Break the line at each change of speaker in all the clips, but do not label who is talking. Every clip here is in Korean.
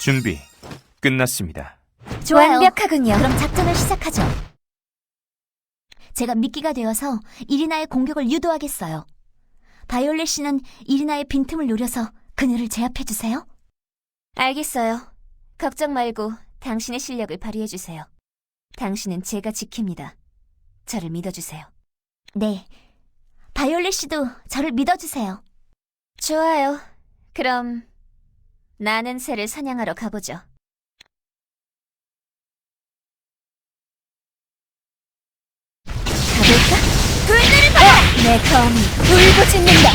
준비 끝났습니다.
좋아요.
완벽하군요.
그럼 작전을 시작하죠. 제가 미끼가 되어서 이리나의 공격을 유도하겠어요. 바이올렛 씨는 이리나의 빈틈을 노려서 그녀를 제압해주세요.
알겠어요. 걱정 말고 당신의 실력을 발휘해주세요. 당신은 제가 지킵니다. 저를 믿어주세요.
네, 바이올렛 씨도 저를 믿어주세요.
좋아요. 그럼 나는 새를 사냥하러 가보죠. 가볼까? 불들을 받아! 내 검이 울부짖는다.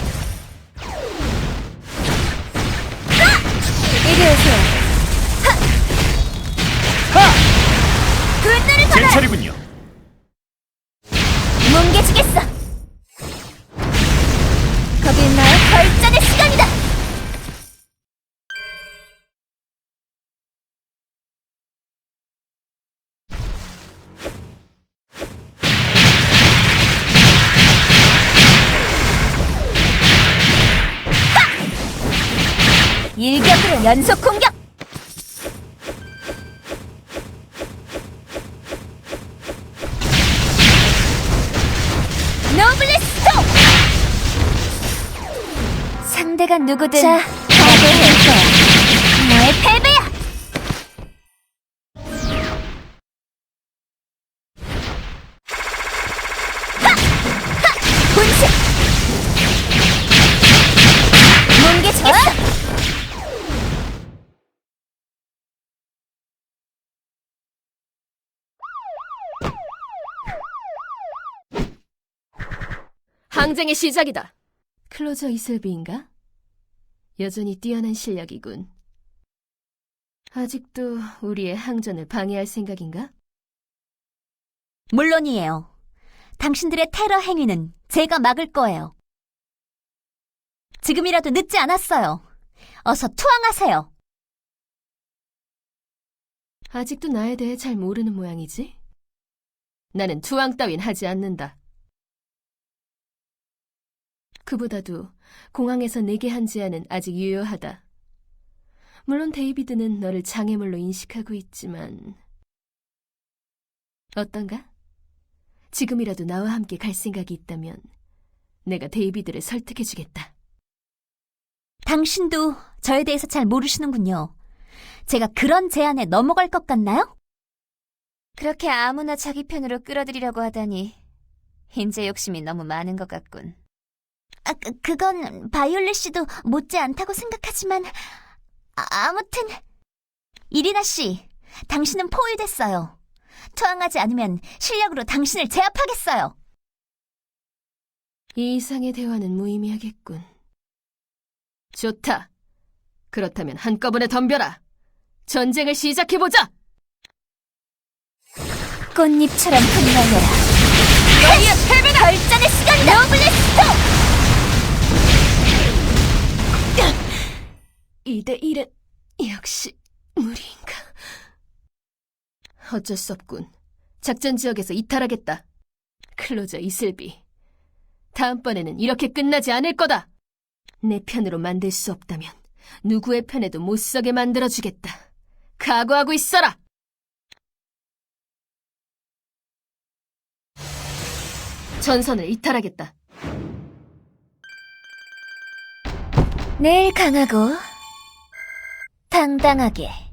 이리 오세요. 불들을
제
받아!
차례군요.
뭉개지겠어. 거기 있나요? 결전의 시간이다. 일격으로 연속 공격! 노블레스토! 상대가 누구든 자, 패배할 거야. 너의 패배야! 분쇄! 뭉개지겠어!
항쟁의 시작이다. 클로저 이슬비인가? 여전히 뛰어난 실력이군. 아직도 우리의 항전을 방해할 생각인가?
물론이에요. 당신들의 테러 행위는 제가 막을 거예요. 지금이라도 늦지 않았어요. 어서 투항하세요.
아직도 나에 대해 잘 모르는 모양이지? 나는 투항 따윈 하지 않는다. 그보다도 공항에서 내게 한 제안은 아직 유효하다. 물론 데이비드는 너를 장애물로 인식하고 있지만 어떤가? 지금이라도 나와 함께 갈 생각이 있다면 내가 데이비드를 설득해주겠다.
당신도 저에 대해서 잘 모르시는군요. 제가 그런 제안에 넘어갈 것 같나요?
그렇게 아무나 자기 편으로 끌어들이려고 하다니 인재 욕심이 너무 많은 것 같군.
그건 바이올렛 씨도 못지 않다고 생각하지만 아무튼 이리나 씨, 당신은 포위됐어요. 투항하지 않으면 실력으로 당신을 제압하겠어요.
이 이상의 대화는 무의미하겠군. 좋다. 그렇다면 한꺼번에 덤벼라. 전쟁을 시작해보자!
꽃잎처럼 흩날려라. 너희의 패배다! 결전의 시간이다! 노블레스토!
2대1은 역시 무리인가? 어쩔 수 없군. 작전 지역에서 이탈하겠다. 클로저 이슬비. 다음번에는 이렇게 끝나지 않을 거다. 내 편으로 만들 수 없다면 누구의 편에도 못 서게 만들어주겠다. 각오하고 있어라! 전선을 이탈하겠다.
내일 강하고 당당하게